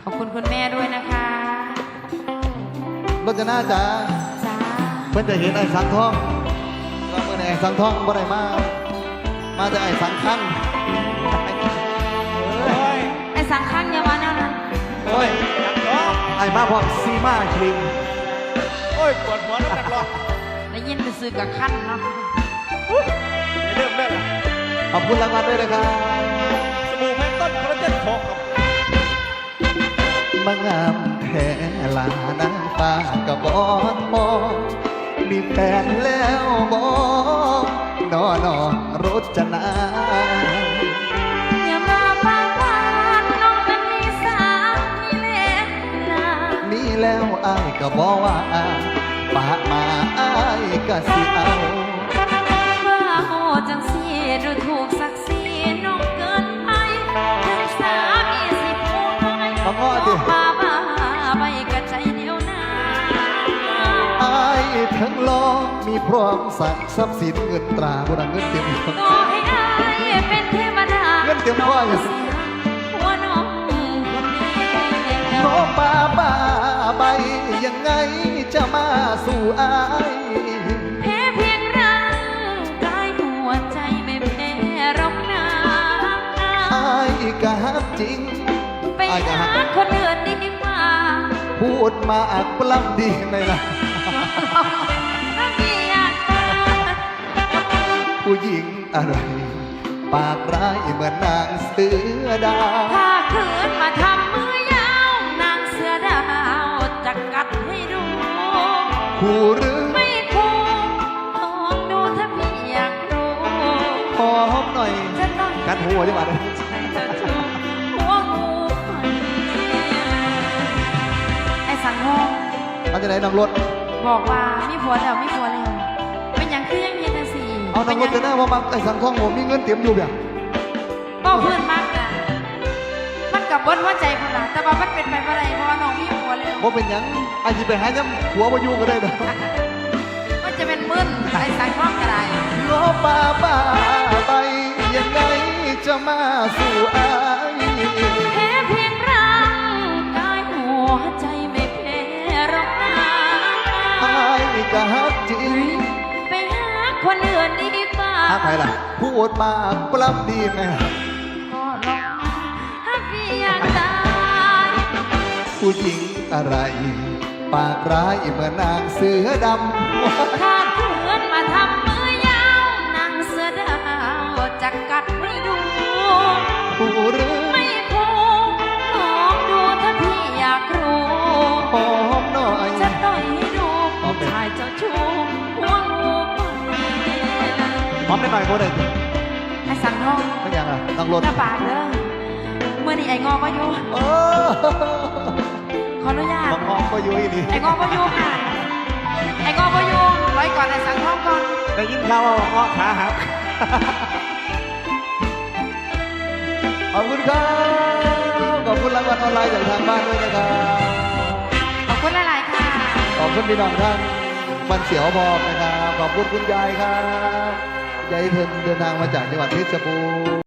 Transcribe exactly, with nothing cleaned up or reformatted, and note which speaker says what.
Speaker 1: ขอบคุณคุณแม่ด้วยนะคะ
Speaker 2: รจนาจ๋า
Speaker 1: จ้า
Speaker 2: เพื่อนจะเห็นไอ้สังทองก็เมื่อไอ้สังทองบ่ได้มามาจะไอ้สังขัง
Speaker 1: ไอ้สังขังอย่าว่าแนวนั้น
Speaker 2: โอ้ยไอ้มาพร้อมซีมาครีม
Speaker 3: โอ้ยปวดหัวน้ำหนักหรอ
Speaker 1: ได้ยินไปซื้อกับขั้นเนาะ
Speaker 3: เริ่มเล่นละ
Speaker 2: ขอบคุณรางวัลด้วยนะครับ
Speaker 3: สบู่แพนต้นคอลลาเจนหกครับ
Speaker 2: มางามแท้ลานางฟ้ากระบอนมองมีแฟนแล้วบอกนอนอนรจนา
Speaker 1: อย่ามาปากหวานน้องนั้นมีสามีแล้ว
Speaker 2: มีแล้วอายก็บอกว่าปากมาอายก็สิเอา
Speaker 1: ว่าโหจังสีดูถูกศักดิ์ศรีน้องเกินไปถึงสามีสิพูดน้อย
Speaker 2: มาง้อดิ
Speaker 1: บ้าบ้าไปกระใจเดียวนา
Speaker 2: อายทั้งลองมีพร้อมสั่งทรัพย์สินเงินตราบุญเงินเต็ม
Speaker 1: ต่อให้อายเป็นเทวดา
Speaker 2: เงินเต็มว่าอย่าง
Speaker 1: หัวน้องคนนี้
Speaker 2: น้องป้าป้าใบยังไงจะมาสู่อาย
Speaker 1: แพ้เพียงร่างกายหัวใจไม่แพ้หรอกนะ
Speaker 2: อายก็ฮักจริง
Speaker 1: ไปหาคนอื่นดีกว่า
Speaker 2: พูดมาอักปล้ำดีไหมล่ะผู้หญิงอะไรปากร้ายเหมือนนางเสือดาว
Speaker 1: ถ้าคืนมาทำมือยาวนางเสือดาวจะกัดให้ดู
Speaker 2: คู่หรือ
Speaker 1: ไม่คู่ลองดูถ้าพี่อยากรู้
Speaker 2: ขอหอมหน่อยกัดหัวดีกว่าเลย
Speaker 1: หัวงูไอ้สังทอง
Speaker 2: เอาจะไหนนางรถ
Speaker 1: บอกว่ามีผัวแล้วมีผัวแล้วเป็นอย่างคือยังเย็นสิ
Speaker 2: เอานางรถจะหน้าว่าบางไอ้สังทองผมมีเงินเตรียมอยู่แบบ
Speaker 1: ก็เพื่อนมากนะมันกับบนหัวใจคนละแต่ว่ามันเป็นไปอะไรเพราะว่าน้องมีผัวแล้ว
Speaker 2: เพราะเป็นอย่างไอ้ที่ไปหาย้ำผัวมาอยู่ก็ได้เด้อ
Speaker 1: มันจะเป็นมึนไอ้สังทองก็ได้
Speaker 2: โลป้าป้าไปยังไงจะมาสู่อาย
Speaker 1: แพ้เพียงร่างกายหัวใจไม่แพ้หรอกนะ
Speaker 2: อายก็ฮักจริง
Speaker 1: ไปหาคนอื่นดีกว่า
Speaker 2: ฮักใครล่ะพูดมาปล้ำดีไหม
Speaker 1: ก็ลองฮักพี่อยากตาย
Speaker 2: ผู้หญิงอะไรปากร้ายเหมือนนางเสือดำ
Speaker 1: ถ้าเพื่อนมาทำมือยาวนางเสือดาวจะกัดไม่ดู
Speaker 2: ผู้หรือ
Speaker 1: ไม่พูลองดูถ้าพี่อยากรู้
Speaker 2: หอมหน่อย
Speaker 1: จะต่อยให้ดูผู้ชายเจ้าชู้หัวงู
Speaker 2: หอมได้หน่อยโบได้
Speaker 1: ไอ้สังทอง
Speaker 2: ไม่ยังอ่ะต้องรถ
Speaker 1: หน้าปากเด้อเมื่อนี้ไอ้งอก็อยู่ขออนุญาต
Speaker 2: งอก็อยู่นี่
Speaker 1: ไอ้งอก็อยู่ค่ะไอ้งอก็อยู่ไว้ก่อนไอ้สังทองก่อน
Speaker 2: ได้ยินข่าวว่างอขาหักขอบคุณครับขอบคุณรางวัลออนไลน์จากทางบ้านด้วยนะครับ
Speaker 1: ขอบคุณหลายๆค่ะ
Speaker 2: ขอบคุณพี่น้องท่านมันเสียวพอนะครับขอบคุณคุณยายครับยายเทินเดินทางมาจากจังหวัดเพชรบูรณ์